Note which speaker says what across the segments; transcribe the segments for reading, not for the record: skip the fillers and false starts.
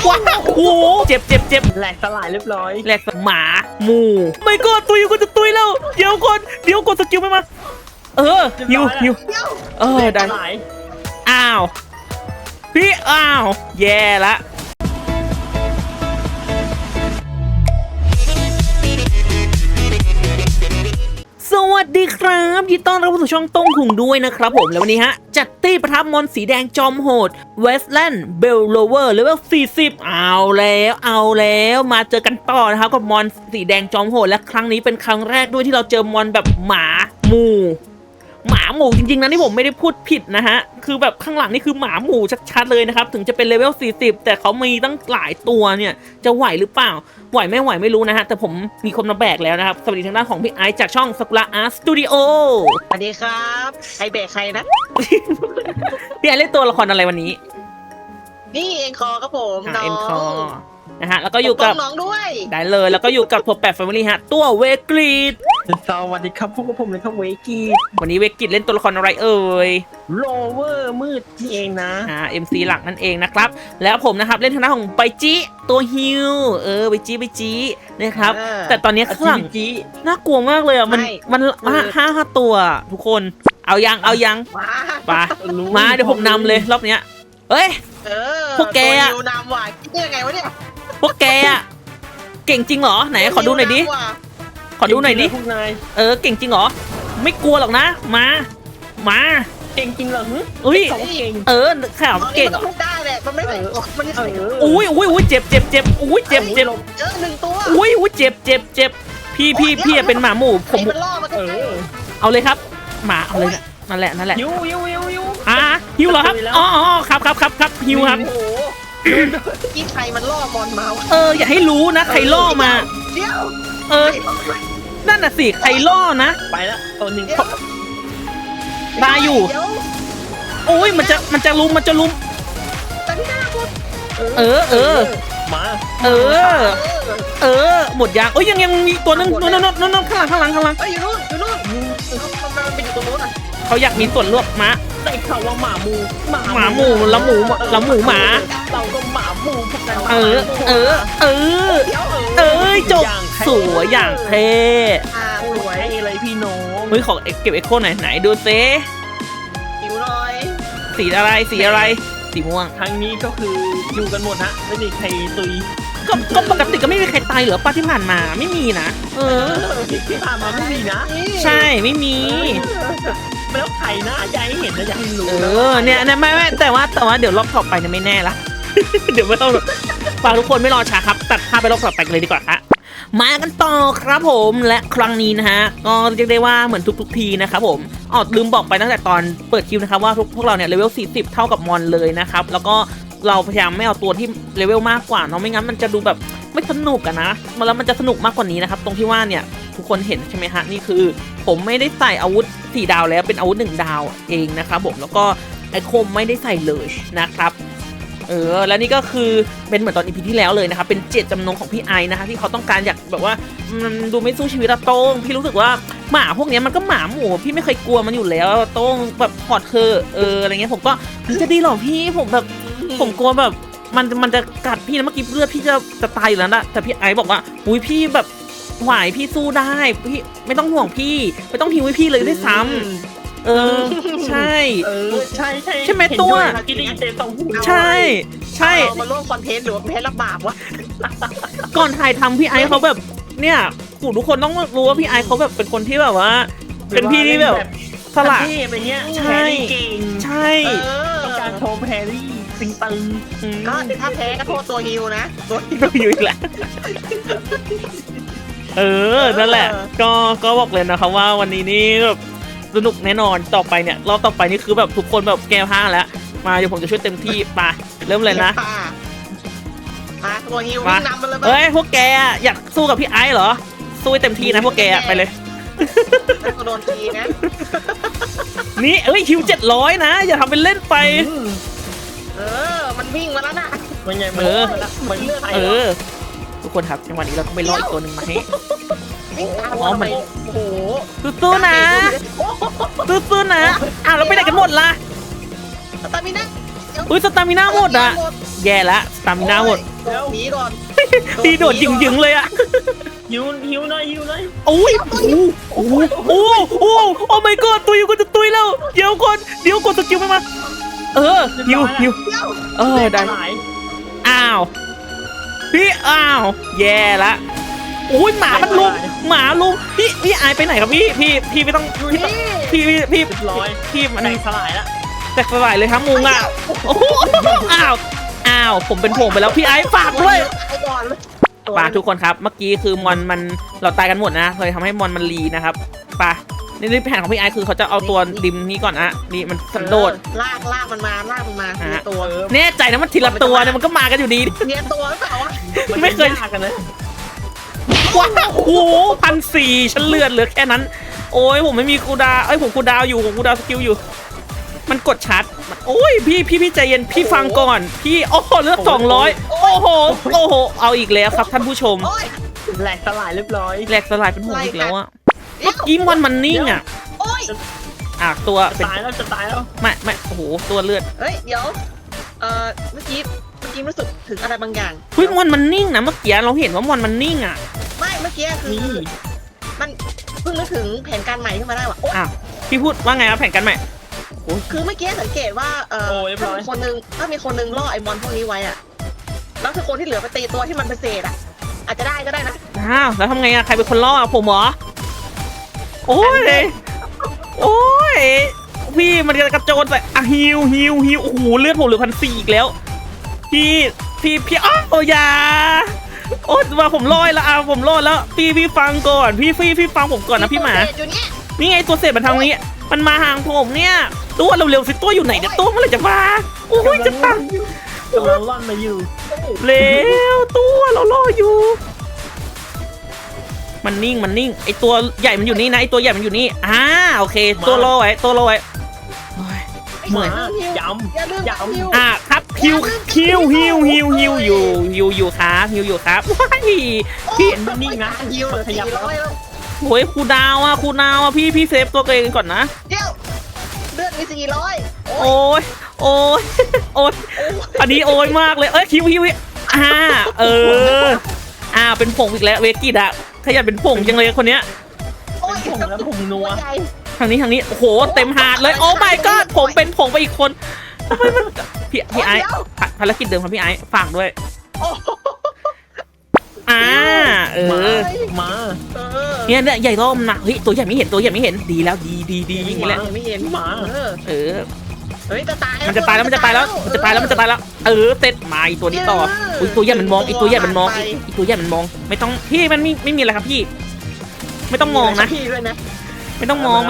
Speaker 1: ว้าวโอ้เจ็บ
Speaker 2: แหลกสลายเรียบร้อย
Speaker 1: แหลกหมาหมูไม่ก็ตุยก็จะตุยแล้วเดี๋ยวกดสกิลไม่มาฮิวได้ อ้าวพี่อ้าวแย่ละสวัสดีครับยินดีต้อนรับเข้าสู่ช่องต้งหุงด้วยนะครับผมแล้ววันนี้จัดตี้ประทับมอนสีแดงจอมโหดเวสแลนด์เบลโลเวอร์เลเวล40เอาแล้วมาเจอกันต่อนะครับกับมอนสีแดงจอมโหดและครั้งนี้เป็นครั้งแรกด้วยที่เราเจอมอนแบบหมาหมูจริงๆนะนี่ผมไม่ได้พูดผิดนะฮะคือแบบข้างหลังนี่คือหมาหมูชัดๆเลยนะครับถึงจะเป็นเลเวล40แต่เขามีตั้งหลายตัวเนี่ยจะไหวหรือเปล่าไหวไม่รู้นะฮะแต่ผมมีคนมาแบกแล้วนะครับสวัสดีทางด้านของพี่ไอซ์จากช่องซากุระอาร์ตสตูดิโอ
Speaker 2: สวัสดีครับใครแบกใครนะ
Speaker 1: พี่ไอซ์เล่นตัวละครอะไรวันนี้
Speaker 2: นี่เอ็นคอครับผม
Speaker 1: เอ็นคอนะฮะแล้วก็อยู่กับ
Speaker 2: น้องด้วย
Speaker 1: ได้เลยแล้วก็อยู่กับตัวแปดแฟมิลี่ฮะตัวเวกรีด
Speaker 2: สวัสดีครับพวกผมเลยครับเวกี
Speaker 1: วันนี้เวกรีดเล่นตัวละครอะไรเอ่ย
Speaker 2: โลเวอร์มืดนี่เองนะ
Speaker 1: MC หลักนั่นเองนะครับแล้วผมนะครับเล่นทางด้านของไบจิตัวฮิวไบจินะครับแต่ตอนนี้ข้างหลังน่ากลัวมากเลยอ่ะมันห้าตัวทุกคนเอายังมาเดี๋ยวผมนำเลยรอบเนี้ยเฮ้ยพวกแกอะ
Speaker 2: นำว่ะคิดยังไงวะเนี่ย
Speaker 1: พวกแกอะเก่งจริงเหรอไหนขอดูหน่อยดิขอดูหน่อยดิเก่งจริงเหรอไม่กลัวหรอกนะมา
Speaker 2: เก่งจริงเหรอ
Speaker 1: อุ้ยข่าวเก่ง
Speaker 2: ได้แหละมันไม่
Speaker 1: อุ้ยเจ็บอุ้ยเจ็บ
Speaker 2: 1ตัว
Speaker 1: อุ้ยเจ็บพี่เป็นหมาหมู่ผมเอาเลยครับหมาเอาเลยนั่นแหละ
Speaker 2: ฮิว
Speaker 1: ฮิวเหรอครับอ๋อครับฮิวครับ
Speaker 2: กี่ใครมันล่อมอนมา
Speaker 1: อย่าให้รู้นะใครล่อมา
Speaker 2: เดี๋ยว
Speaker 1: นั่นน่ะสิใครล่อนะ
Speaker 2: ไปแล้วตัวหนึ่ง
Speaker 1: ตายอยู่โอ้ยมันจะลุม
Speaker 2: มา
Speaker 1: หมดยางยังมีตัวนึงนู่นข้างหลัง
Speaker 2: อยู่นู่นมันเป็นอยู่ตรงนู้น
Speaker 1: เขาอยากมีส่วนร่วมม้า
Speaker 2: ได้ข่าวว่าหมาหมู
Speaker 1: ละหมูหมา
Speaker 2: เราก็หมาหมูพวกกัน
Speaker 1: จบสวยอย่างเท่
Speaker 2: สวยเลยพี่น้อง
Speaker 1: เฮ้ยขอเก็บเอ็กโคไหนดูเซ่
Speaker 2: หิวหน่อย
Speaker 1: สีอะไรสีม่วง
Speaker 2: ทั้งนี้ก็คืออยู่กันหมดฮะไม่มีใครตุย
Speaker 1: ก็ปกติก็ไม่มีใครตายเหรอป้าที่ผ่านมาไม่มีนะ
Speaker 2: ที่ผ่านมาไม่มีนะ
Speaker 1: ใช่ไม่มี
Speaker 2: แล้วใครนะอยากให้เห็นนะอยากให้รู้
Speaker 1: เนี่ยไม่แต่ว่าเดี๋ยวรอบต่อไปเนี่ยไม่แน่ละเดี๋ยวไม่ต้องฝากทุกคนไม่รอช้าครับตัดภาพไปรอบต่อไปเลยดีกว่าครับมากันต่อครับผมและครั้งนี้นะฮะก็เรียกได้ว่าเหมือนทุกทีนะครับผมลืมบอกไปตั้งแต่ตอนเปิดคลิปนะครับว่าพวกเราเนี่ยเลเวล40เท่ากับมอนเลยนะครับแล้วก็เราพยายามไม่เอาตัวที่เลเวลมากกว่าเนาะไม่งั้นมันจะดูแบบไม่สนุกนะแล้วมันจะสนุกมากกว่านี้นะครับตรงที่ว่าเนี่ยทุกคนเห็นใช่ไหมฮะนี่คือผมไม่ได้ใส่อาวุธ4 ดาวแล้วเป็นอาวุธ1 ดาวเองนะครับผมแล้วก็ไอคมไม่ได้ใส่เลยนะครับแล้วนี่ก็คือเป็นเหมือนตอนอีพีที่แล้วเลยนะครับเป็นเจตจำนงของพี่ไอนะคะที่เขาต้องการอยากแบบว่ามันดูไม่สู้ชีวิตโต้งพี่รู้สึกว่าหมาพวกนี้มันก็หมาหมูพี่ไม่เคยกลัวมันอยู่แล้วโต้งแบบพอดอะไรเงี้ยผมก็จะดีหรอพี่ผมแบบผมกลัวแบบมันจะกัดพี่นะเมื่อกี้เลือดพี่จะตายอยู่แล้วนะแต่พี่ไอบอกว่าอุ้ยพี่แบบไหวพี่สู้ได้พี่ไม่ต้องห่วงพี่ไม่ต้องหิวให้พี่เลยด้วยซ้ำใช่ใช่ไหมตัวใช่
Speaker 2: มาร่วมคอนเทนต์หรือว่าแพ้รับบาปวะ
Speaker 1: ก่อนถ่ายทำพี่ไอเขาแบบเนี่ยทุกคนต้องรู้ว่าพี่ไอเขาแบบเป็นคนที่แบบว่าเป็นพี่ที่แบบสละ
Speaker 2: ใช่
Speaker 1: ต้อง
Speaker 2: การโชว์แพรรี่สิงตึงก็ถ้าแพ้ก็โทษตัวฮิวนะ
Speaker 1: ตัวฮิวอีกแล้วนั่นแหละก็บอกเลยนะครับว่าวันนี้นี่แบบสนุกแน่นอนต่อไปเนี่ยรอบต่อไปนี่คือแบบทุกคนแบบแก้ผ้าแล้วมาเดี๋ยวผมจะช่วยเต็มที่ไปเริ่มเลยนะ
Speaker 2: มาตัวฮิววิ่งนำมา
Speaker 1: เลยพวกแกอยากสู้กับพี่ไอซ์เหรอสู้เต็มที่นะพวกแกไปเลย
Speaker 2: โดนทีนะ
Speaker 1: นี่ฮิว700นะอย่าทำเป็นเล่นไป
Speaker 2: มันวิ่งมาแล้วนะมันไงมันเลือด
Speaker 1: ทุกคนครับจังหวะนี้เราต้องไปล่ออีกตัวหนึ่งมาให้
Speaker 2: มันโอ้โห
Speaker 1: สู้นะเราไปไหนกันหมดล่ะ
Speaker 2: สตามิน่า
Speaker 1: สตามิน่าหมดแย่ละสตามิน่าหมด
Speaker 2: หนีก่อน
Speaker 1: พี่โดดหยึงๆเลยอะ
Speaker 3: หิวหน่อยหิวหน่อย
Speaker 1: โอ้ยโอ้โหโอ้โหโอ้ my god ตุยกูจะตุยแล้วเดี๋ยวก่อนสกิลไม่มาหิวได้
Speaker 3: หลาย
Speaker 1: อ้าวพี่อ้าวแย่ละโอ้ยหมามันลุมพี่อายไปไหนครับพี่ไม่ต้อง
Speaker 2: อยู่นี่
Speaker 1: พี่
Speaker 3: เรียบร้อย
Speaker 1: พี่มัน
Speaker 3: แตกสลายแล้ว
Speaker 1: แตกสลายเลยครับมุงอ่ะโอ้โหอ้าวผมเป็นผงไปแล้วพี่ไอ้ฝากด้วย
Speaker 2: ไปก่อน
Speaker 1: ปาทุกคนครับเมื่อกี้คือมอนมันเราตายกันหมดนะเลยทำให้มอนมันรีนะครับปานี่แผนของพี่ไอ้คือเขาจะเอาตัวดิมนี้ก่อนนะนี่มันสันโดษ
Speaker 2: ลากมันมาทีละตัว
Speaker 1: แน่ใจนะมันทีละตัวเนี่ยมันก็มากันอยู่ดี
Speaker 2: เนี่ยตัวหรือเปล่าวะ
Speaker 1: ไม่เคย
Speaker 3: ยากกันนะ
Speaker 1: ว้าวโอ้โห1,400ฉันเลือดเหลือแค่นั้น โอ้ยผมไม่มีคูดาวผมคูดาวอยู่ผมคูดาวสกิลอยู่ มันกดชาร์จโอ้ยพี่ใจเย็นพี่ฟังก่อนพี่โอ้โหเลือด200โอ้โหเอาอีกแล้วครับท่านผู้ชม
Speaker 2: โอ้ย
Speaker 3: แหลกสลายเรียบร้อย
Speaker 1: แหลกสลายเป็นห่วงอีกแล้วอะเมื่อกี้มันนิ่งอะ
Speaker 2: โอ้ย
Speaker 1: ตัวเป็น
Speaker 3: จะตายแล้ว
Speaker 1: ไม่โอ้โหตัวเลือด
Speaker 2: เฮ้ยเดี๋ยวเมื่อกี้รู้สึกถึงอะไรบางอย่าง
Speaker 1: เฮ้ยมันนิ่งนะเมื่อกี้เราเห็นว่ามอนมันนิ่งอะ
Speaker 2: ไม่เมื่อกี้คือ
Speaker 3: นี่
Speaker 2: มันเพิ่งนึกถึงแผนการใหม่ขึ้นมาได้ว่ะ
Speaker 1: อ้าวพี่พูดว่าไงครับแผนกันใหม่
Speaker 2: คือเมื่อกี้สังเกตว่าถ้ามีคนนึงล่อไอมอนพวกนี้ไว้อะแล้วคือคนที่เหลือไปตีตัวที่มันเป็นเศษอะอาจจะได้ก็ได้นะ
Speaker 1: อ้าวแล้วทำไงอะใครเป็นคนล่อผมเหรอโอ้ยโอ้ยพี่มันกระโจนใส่ฮิวโอ้โหเลือดผมเหลือ1,400อีกแล้วพี่อ้าวอย่าโอ้มาผมลอยแล้วผมลอยแล้วพี่ฟังก่อนพี่ฟังผมก่อนนะพี่หมา
Speaker 2: อยู่เนี่ย
Speaker 1: นี่ไงตัวเศษมันทางนี้มันมาห่างผมเนี่ยตัวเร็วๆสิตัวอยู่ไหนเนี่ยตัวเมื่อไหร่จะมาโอ้ยจะตัง
Speaker 3: กำลังล่อนมาอยู่
Speaker 1: เร็วตัวเรารออยู่มันนิ่งไอตัวใหญ่มันอยู่นี่นะไอตัวใหญ่มันอยู่นี่โอเคตัวรอไว้โอ้ย เหนื่อย
Speaker 3: ย้ำ
Speaker 2: อย่าลืม
Speaker 3: ย้ำ
Speaker 2: ฮิว
Speaker 1: ครับฮิวอยู่ครับว้ายพี่
Speaker 3: มันนิ่งนะ
Speaker 2: ฮิว
Speaker 3: ขยับแล้ว
Speaker 2: 400แล้ว
Speaker 1: โอ้ยครูดาวพี่เซฟตัวเองก่อนนะ
Speaker 2: เดี๋ยวเลือดมี400
Speaker 1: โอ้ยอันนี้โอ้ยมากเลยฮิวเป็นผงอีกแล้วเวกิดอะขยันเป็นผงจังเลยคนเนี้ย
Speaker 2: โอ้ย
Speaker 3: ผงแล้วผงนัว
Speaker 2: ใหญ่
Speaker 1: ทางนี้โอ้โหเต็มหาดเลยโอ้ my god ผมเป็นผงไปอีกคนทำไมมันพี่ไอ้ภารกิจเดิมครับพี่ไอ้ฝากด้วย
Speaker 2: โอ้
Speaker 3: มา
Speaker 1: เนี่ยใหญ่ร่มนะเฮ้ยตัวใหญ่ไม่เห็นดีแล้วดีอย่างนี้แหละ
Speaker 2: ไม่เห็น
Speaker 3: หมา
Speaker 1: เออ
Speaker 2: เฮ้ยจะตาย
Speaker 1: มันจะตายแล้วเสร็จมาอีตัวนี้ต่ออุ้ยตัวใหญ่มันมองอีตัวใหญ่มันมองไม่ต้องพี่มันไม่มีอะไรครับพี่ ไม่ต้องมองนะ
Speaker 2: พี่ด้วยนะ
Speaker 1: ไม่ต้องมอง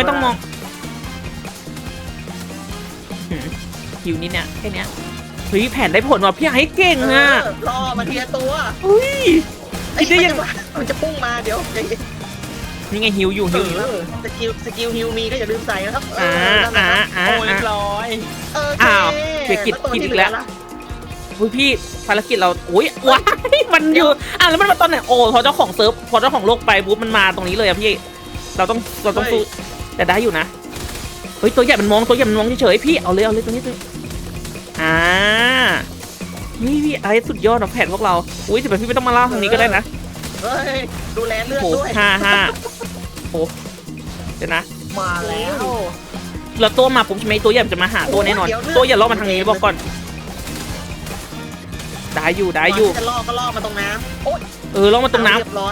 Speaker 1: หิวนี่เนี่ยแค่เนี้ยเฮ้ยแผนได้ผลว่ะพี่ไอ้เก่งอ่ะ
Speaker 2: รอมาทีละตัว
Speaker 1: เฮ้ย คิดได้ยัง
Speaker 2: มันจะพุ่งมาเดี๋ยว
Speaker 1: นี่ไงหิวอยู่
Speaker 2: สกิลฮิวมีก็อย่าลืมใส่นะครับ
Speaker 3: โอ้ยเรียบร้อย
Speaker 1: เฮ้ยพี่ภารกิจเราอุ้ยว้ายมันอยู่แล้วมันมาตอนไหนโอ้พอเจ้าของเซิร์ฟพอเจ้าของโลกไปปุ๊บมันมาตรงนี้เลยอะพี่เราต้องสู้แต่ได้อยู่นะเฮ้ยตัวใหญ่มันมองเฉยๆพี่เอาเลยตัวนี้เลยพี่ไอ้สุดยอดของแผนพวกเราอุ้ยแต่พี่ไม่ต้องมาเล่าทางนี้ก็ได้นะ
Speaker 2: เฮ้ยดูแลเลือด
Speaker 1: โอ้
Speaker 2: ด้วย
Speaker 1: 5โอ้เดี๋ยวนะ
Speaker 3: มาแล้ว
Speaker 1: แล้วตัวมาปุ๊บใช่ไหมตัวใหญ่จะมาหาตัวแน่นอนตัวอย่าล่อมาทางนี้บอกก่อนได้อยู่
Speaker 2: จะล่อก็ล่อมาตรงน้ำโอ๊ย
Speaker 1: ล่อมาตรงน้ำ
Speaker 2: เรียบร้อย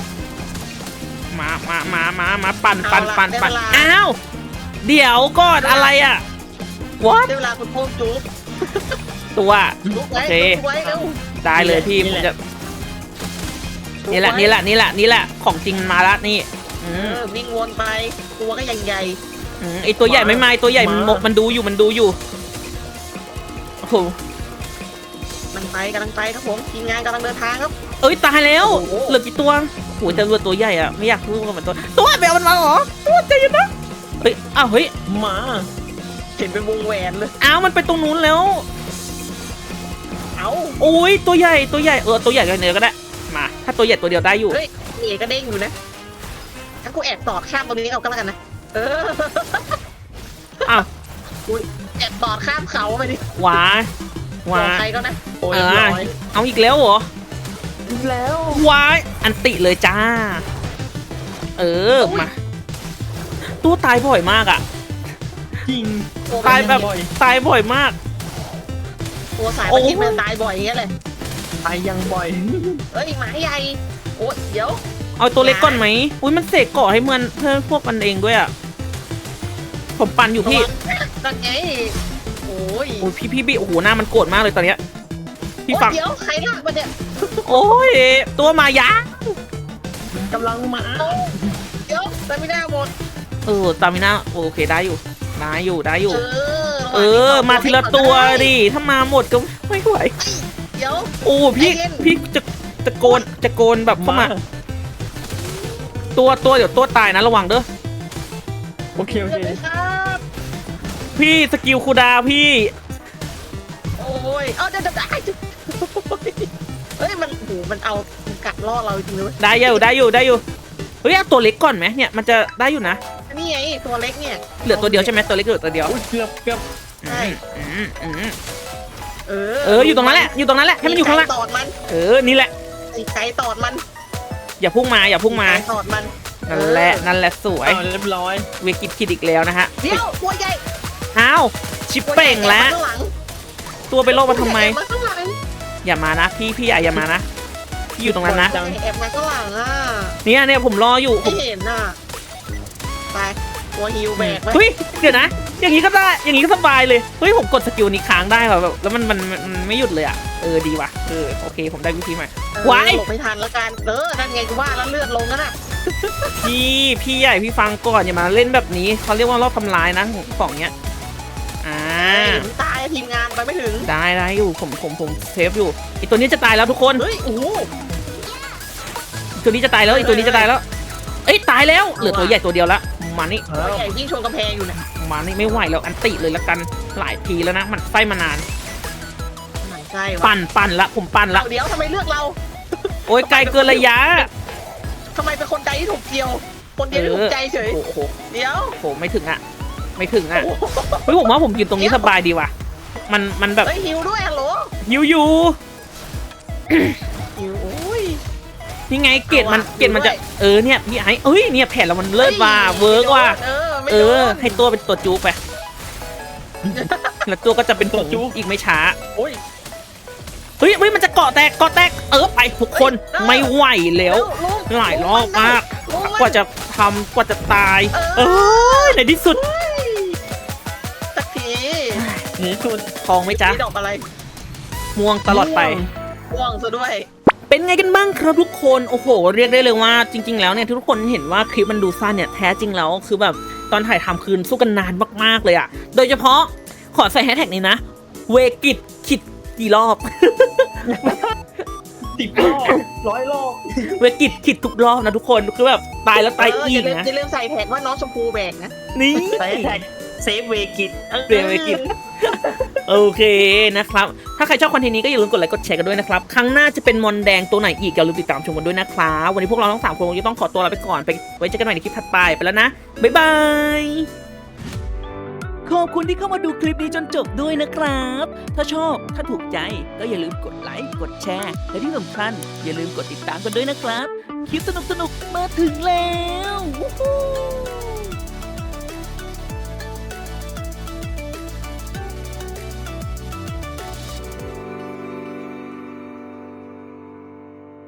Speaker 1: มาปั่นอ้าวเดี๋ยวก่อนอะไรอ่ะวอท
Speaker 2: ได้เวลาคุณพ่อจุ๊บ
Speaker 1: ตัว
Speaker 2: จุ๊บ
Speaker 1: โอ
Speaker 2: ไว้
Speaker 1: เค
Speaker 2: จุ๊บไว้เร็ว
Speaker 1: ได้เลยพี่ผมจะนี่แหละของจริงมาละนี่
Speaker 2: วิ่งวนไปตัวก็ใหญ่
Speaker 1: ไอตัวใหญ่ไม่มาตัวใหญ่มันดูอยู่โอ้โห
Speaker 2: มันไปกำลังไปครับผมทีมงานกำลังเดินทางครับ
Speaker 1: เอ้ยตายแล้วเหลือกี่ตัวโอ้ยแต่ตัวใหญ่อ่ะไม่อยากสู้กับมันตัวแมวมันมาเหรอตัวใจเย็นนะเฮ้ยเฮ้ย
Speaker 3: มา
Speaker 2: เห็นเป็นวงแหวนเลย
Speaker 1: มันไปตรงนู้นแล้ว
Speaker 2: เอ้า
Speaker 1: โอ้ยตัวใหญ่ตัวใหญ่กันเนื้อก็ได้มาถ้าตัวใหญ่ตัวเดียวได้อยู่
Speaker 2: เฮ้ยเอกก็เด้งอยู่นะถ้ากูแอบตอดข้ามตรงนี้เอาก็แล้วกันนะ
Speaker 1: อ้าว
Speaker 2: แอบตอดข้ามเขาไปดิ
Speaker 1: หวาว้า
Speaker 2: ใครก็นะ
Speaker 3: โอ้ยเรียบร้อย
Speaker 1: เอาอีกแล้วเหรอ
Speaker 3: แล้ว
Speaker 1: ว้ายอันติเลยจ้า มาตัวตายบ่อยมากอ่ะ
Speaker 3: จริง
Speaker 1: ตายแบบ
Speaker 3: บ่อย
Speaker 1: ตายบ่อยมาก
Speaker 2: ตัวสายมันคิดมันตายบ่อยอย่างเงี้ยเลย
Speaker 3: ตายยังบ่อย
Speaker 2: เอ้ยหมาใหญ่โอ้เดี๋ยว
Speaker 1: เอาตัวเล็กก่อนไหมอุ้ยมันเสกเกาะให้มันเพื่อนพวกมันเองด้วยอ่ะผมปั่นอยู่พี่
Speaker 2: นั่นไงโอ้ย
Speaker 1: โอ้ยพี่โอ้โหหน้ามันโกรธมากเลยตอนเนี้ยพี่ฟัง
Speaker 2: เดี๋ยวใครลากมันเนี่ย
Speaker 1: โอ้ยตัวมายะ
Speaker 3: กำลังมา
Speaker 2: เดี๋ยวแต่ไม่ได้หมด
Speaker 1: ตามิน่าโอเคได้อยู่ได้อยู่
Speaker 2: ระหว่างนี้
Speaker 1: มาทีละตัวดิถ้ามาหมดก็ไม่ไหว
Speaker 2: เดี๋ยว
Speaker 1: โอ้พี่
Speaker 2: ใจเย็น
Speaker 1: พี่จะโกนแบบเข้ามาตัวเดี๋ยวตัวตายนะระวังเด้อ
Speaker 3: โอเคโอ
Speaker 2: เดี๋
Speaker 3: เค
Speaker 2: ยวเลยครับ
Speaker 1: พี่สกิลคูลดาวน์พี่
Speaker 2: โอ้ยเอาเดี๋ยวเฮ้ยมันโหมันเอากัดล่อเราจริงๆเลย
Speaker 1: ได้อยู่เฮ้ยเอาตัวเล็กก่อนไหมเนี่ยมันจะได้อยู่นะ
Speaker 2: นี่ไงตัวเล็กเนี่ย
Speaker 1: เหลือตัวเดียวใช่ไหมตัวเล็กเหลือตัวเดียว
Speaker 3: อุ้ยเกือบ
Speaker 2: ใช่
Speaker 1: อืม อยู่ตรงนั้นแหละให้มันอยู่ข้างล่าง
Speaker 2: ตอดมัน
Speaker 1: นี่แหละ
Speaker 2: ไก่ตอดมัน
Speaker 1: อย่าพุ่งมา
Speaker 2: ไก่ตอดมัน
Speaker 1: นั่นแหละสวย
Speaker 3: เอาเรียบร้อย
Speaker 1: เวกิดคิดอีกแล้วนะฮะ
Speaker 2: เดี๋ยวตัวใหญ่
Speaker 1: อ้าวชิปเป่งแล้ว
Speaker 2: ข้างหลัง
Speaker 1: ตัวไปโลกมาทำไม
Speaker 2: แอบมาข้างหลัง
Speaker 1: อย่ามานะพี่อย่ามานะพี่อยู่ตรงนั้นนะ
Speaker 2: แอบมาข้างหลังอ่ะ
Speaker 1: เนี่ยผมรออยู่ผ
Speaker 2: ไม่
Speaker 1: ม
Speaker 2: เห็นอ่ะไปตัวฮิวแบกไว้
Speaker 1: เฮ้ยเดี๋ยวนะ อย่างนี้ก็ได้อย่างนี้ก็สบายเลยเฮ้ยผมกดสกิลนี้ค้างได้เหรอแบบแล้วมันไม่หยุดเลยอ่ะดีว่ะโอเคผมได้วิธีใหม่ ว้าย
Speaker 2: หลบไม่ทันแล้วกันนั่นไงกูว่าแล้วเลือดลงนั่นน่ะ
Speaker 1: พี่ใหญ่พี่ฟังก่อนอย่ามาเล่นแบบนี้เขาเรียกว่ารอบทำลายนะของเนี้ย
Speaker 2: ถึงตายทีมงานไปไม่ถึง
Speaker 1: ได้อยู่ผมเซฟอยู่อีตัวนี้จะตายแล้วทุกคน
Speaker 2: เฮ้ยโอ้โห
Speaker 1: ตัวนี้จะตายแล้วอีตัวนี้จะตายแล้วเอ้ยตายแล้วเหลือตัวใหญ่ตัวเดียวละมานี่
Speaker 2: ตัวใหญ่ยิ่งชนกำแพงอยู่เนี่ย
Speaker 1: มานี่ไม่ไหวแล้วอันติเลยละกันหลายทีแล้วนะมันไส้มานาน
Speaker 2: มันใช่วะ
Speaker 1: ปั่นละผมปั่นละ
Speaker 2: เดี๋ยวทำไมเลือกเรา
Speaker 1: โอ้ยไกลเกินระยะ
Speaker 2: ทำไมเป็นคนใจที่ถูกเกี่ยว คนเดียวที่ถูกใจเฉย
Speaker 1: โอ้โห
Speaker 2: เดี๋ยว
Speaker 1: โหไม่ถึงอ่ะเฮ้ยผมว่าผมยืนตรงนี้สบายดีว่ะมันแบบ
Speaker 2: เฮ้ยฮิวด้วยฮัลโหล
Speaker 1: หิวอยู่
Speaker 2: ฮิวโอ้ย
Speaker 1: นี่ไงเกตมันจะเนี่ยพี่ไอ้เนี่ยแผ่นเรามันเลิศว่ะ
Speaker 2: ฮ้ย
Speaker 1: เวิร์กว่ะ
Speaker 2: ไม่โดน
Speaker 1: ให้ตัวเป็นตัวจูไปแล้วตัวก็จะเป็นตัวจูอีกไม่ช้า
Speaker 3: โอ้ย
Speaker 1: เฮ้ยมันจะเกาะแตกไปทุกคนไม่ไหวแล้วหลายรอบมากกว่าจะตายในที่สุด
Speaker 2: สักที
Speaker 3: หนีสุด
Speaker 1: ทองไหมจ๊ะ
Speaker 2: นี่ดอกอะไร
Speaker 1: ม่วงตลอดไป
Speaker 2: ม่วงซะด้วย
Speaker 1: เป็นไงกันบ้างครับทุกคนโอ้โหเรียกได้เลยว่าจริง ๆแล้วเนี่ยทุกคนเห็นว่าคลิปมันดูสั้นเนี่ยแท้จริงแล้วคือแบบตอนถ่ายทำคืนสู้กันนานมากๆเลยอะโดยเฉพาะขอใส่แฮชแท็กนี้นะเวกิดคิดกี่รอบ
Speaker 3: 10 รอบ100 รอบ
Speaker 1: เวกิดคิดทุกรอบนะทุกคนคือแบบตายแล้วตายอี
Speaker 2: อย่าก
Speaker 1: นะ
Speaker 2: ลืมใส่แท็กว่าน้องชมพูแบกนะ
Speaker 1: นี่
Speaker 3: ใส่แท็กเซฟเวกิต
Speaker 1: เวกิตโอเคนะครับถ้าใครชอบคอนเทนต์นี้ก็อย่าลืมกดไลค์กดแชร์กันด้วยนะครับครั้งหน้าจะเป็นมอนแดงตัวไหนอีกอย่าลืมติดตามชมกันด้วยนะครับวันนี้พวกเราทั้ง3คนคงจะต้องขอตัวลาไปก่อนไปไว้เจอกันใหม่ในคลิปถัดไปแล้วนะบ๊ายบายขอบคุณที่เข้ามาดูคลิปนี้จนจบด้วยนะครับ ถ้าชอบถ้าถูกใจก็อย่าลืมกดไลค์กดแชร์และที่สำคัญอย่าลืมกดติดตามกันด้วยนะครับคลิปสนุกๆมาถึงแล้ววู้ฮู้